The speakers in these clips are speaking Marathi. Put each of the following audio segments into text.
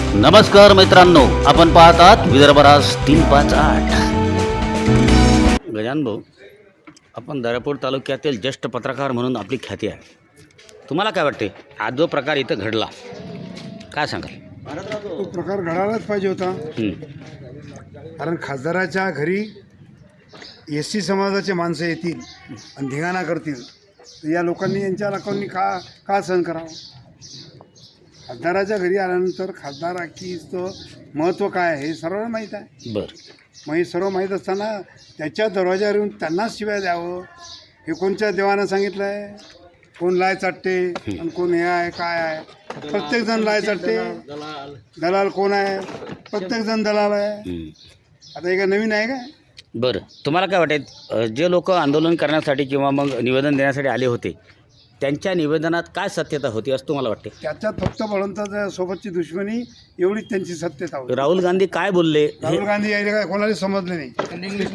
नमस्कार मित्रांनो, आपण पाहत आहात विदर्भराज 358. गजानन भाऊ, आपण दर्यापूर तालुक्यातील ज्येष्ठ पत्रकार म्हणून आपली ख्याती आहे. तुम्हाला काय वाटते, आज जो प्रकार इथं घडला, काय सांगाल? तो प्रकार घडायलाच पाहिजे होता. कारण खासदाराच्या घरी एसटी समाजाचे माणसं येतील आणि धिंगाणा करतील, तर या लोकांनी यांच्या लोकांनी का सहन करावं? खासदाराच्या घरी आल्यानंतर खासदाराकीचं महत्त्व काय आहे हे सर्वांना माहीत आहे. बरं, मग हे सर्व माहीत असताना त्याच्या दरवाज्यावर येऊन त्यांनाच शिवाय द्यावं, हे कोणत्या देवानं सांगितलं आहे? कोण लाय चाटते आणि कोण हे आहे काय आहे? प्रत्येकजण लाय चाटते. दलाल कोण आहे? प्रत्येकजण दलाल आहे. आता हे काय नवीन आहे काय? बरं, तुम्हाला काय वाटते, जे लोक आंदोलन करण्यासाठी किंवा मग निवेदन देण्यासाठी आले होते, त्यांच्या निवेदनात काय सत्यता होती असं तुम्हाला वाटते? त्याच्यात फक्त बळवंताच्या सोबतची दुश्मनी एवढीच त्यांची सत्यता होती. राहुल गांधी काय बोलले? राहुल गांधी यायला काय कोणाला समजले नाही. इंग्लिश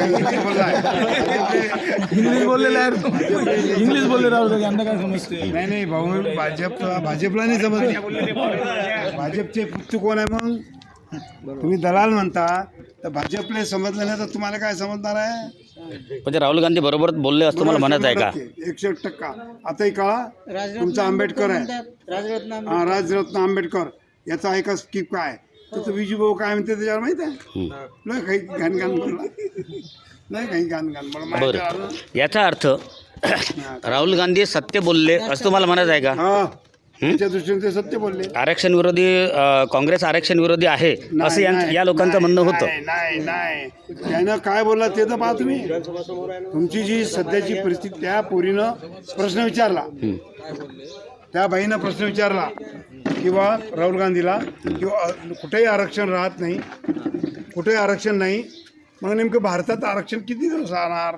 बोलले राहुल गांधी, यांना काय समजते? नाही भाऊ, भाजपला नाही समजले. भाजपचे पुत्र कोण आहे? मग तुम्ही दलाल म्हणता, तर भाजपला समजलं नाही तर तुम्हाला काय समजणार आहे? म्हणजे राहुल गांधी बरोबर बोलले असं तुम्हाला म्हणत आहे का? 101%. आताही काळा तुमचा आंबेडकर आहे, राजरत्न आंबेडकर, याचा ऐका स्कीप काय, त्याचं विजूभाऊ काय म्हणते त्याच्यावर माहित आहे? नाही काही घाण बोलला, नाही काही घाण बोला. बरं, याचा अर्थ राहुल गांधी सत्य बोलले असं तुम्हाला म्हणत आहे का? हा, त्याच्या दृष्टीने ते सत्य बोलले. आरक्षण विरोधी, काँग्रेस आरक्षण विरोधी आहे असं या लोकांचं म्हणणं होतं. नाही त्यानं काय बोलला ते तर पहा तुम्ही. तुमची जी सध्याची परिस्थिती, त्या पोरीनं प्रश्न विचारला, त्या बाईनं प्रश्न विचारला किंवा राहुल गांधीला, किंवा कुठेही आरक्षण राहत नाही, कुठेही आरक्षण नाही, मग नेमकं भारतात आरक्षण किती दिवस राहणार?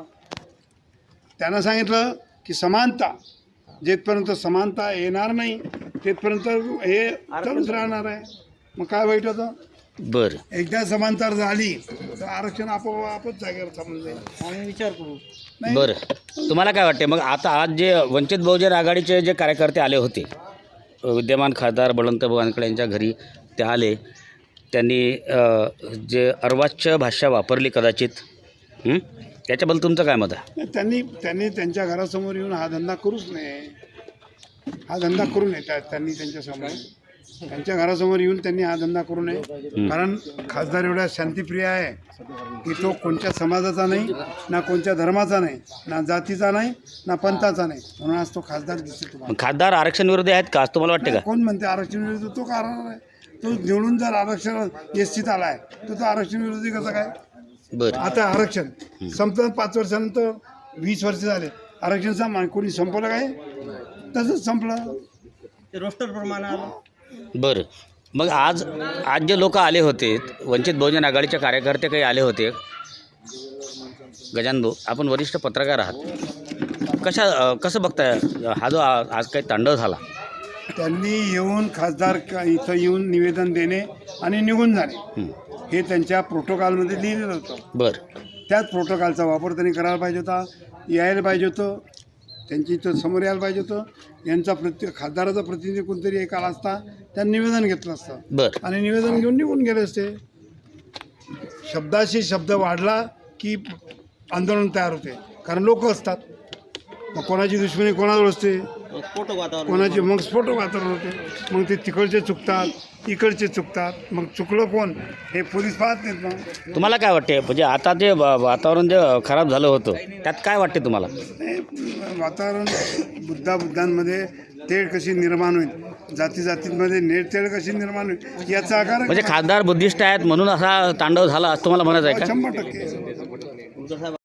त्यानं सांगितलं की समानता, जेथपर्यंत समानता येणार नाही तेथपर्यंत हे चालूच राहणार आहे. मग काय वाईट होतं? बरं, एकदा समानता झाली तर आरक्षण आपोआपच जागेवर थांबून जाईल. आम्ही विचार करू. बरं, तुम्हाला काय वाटते मग? आता आज जे वंचित बहुजन आघाडीचे जे कार्यकर्ते आले होते, विद्यमान खासदार बळवंत वानखडे यांच्या घरी ते आले, त्यांनी जे अर्वाच्य भाषा वापरली कदाचित, त्याच्याबद्दल तुमचं काय मत आहे? त्यांनी त्यांच्या घरासमोर येऊन हा धंदा करूच नये, हा धंदा करू नये. त्यांनी त्यांच्या घरासमोर येऊन त्यांनी हा धंदा करू नये. कारण खासदार एवढा शांतिप्रिय आहे की तो कोणत्या समाजाचा नाही, ना कोणत्या धर्माचा नाही, ना जातीचा नाही, ना पंथाचा नाही, म्हणून आज तो खासदार दिसतो तुम्हाला. खासदार आरक्षण विरोधी आहेत का असं तुम्हाला वाटते का? कोण म्हणते आरक्षण विरोधी? तो का आहे? तो निवडून जर आरक्षण एसटीत आला आहे तर तो आरक्षण विरोधी कसा काय? बरं, आता आरक्षण संपलं 5 वर्षानंतर, 20 वर्ष झाले, आरक्षण सामान कोणी संपवलं काय? तसंच संपलं, रोस्टर प्रमाणे आलं. बरं, मग आज जे लोक आले होते, वंचित बहुजन आघाडीचे कार्यकर्ते काही आले होते, गजानन भाऊ आपण वरिष्ठ पत्रकार आहात, कसं बघताय हा जो आज काही तांडव झाला? त्यांनी येऊन खासदार इथं येऊन निवेदन देणे आणि निघून जाणे हे त्यांच्या प्रोटोकॉलमध्ये लिहिलेलं होतं. बरं, त्याच प्रोटोकॉलचा वापर त्यांनी करायला पाहिजे होता, यायला पाहिजे होतं, त्यांची इथं समोर यायला पाहिजे होतं. यांचा खासदाराचा प्रतिनिधी कोणतरी एक आला असता, त्यांनी निवेदन घेतलं असतं. बरं, आणि निवेदन घेऊन निघून गेले असते. शब्दाशी शब्द वाढला की आंदोलन तयार होते, कारण लोक असतात. मग कोणाची दुश्मनी कोणाजवळ असते, कोणाची मग स्फोटक वातावरण होते. मग ते तिकडचे चुकतात, इकडचे चुकतात, मग चुकलं कोण हे पोलीस पाहत नाहीत. मग तुम्हाला काय वाटते, म्हणजे आता जे वातावरण जे खराब झालं होतं त्यात काय वाटते तुम्हाला? वातावरण बुद्धांमध्ये तेढ कशी निर्माण होईल, जातींमध्ये तेढ कशी निर्माण होईल याचा आकार. म्हणजे खासदार बुद्धिस्ट आहेत म्हणून असा तांडव झाला असं तुम्हाला म्हणत आहे का? 100%.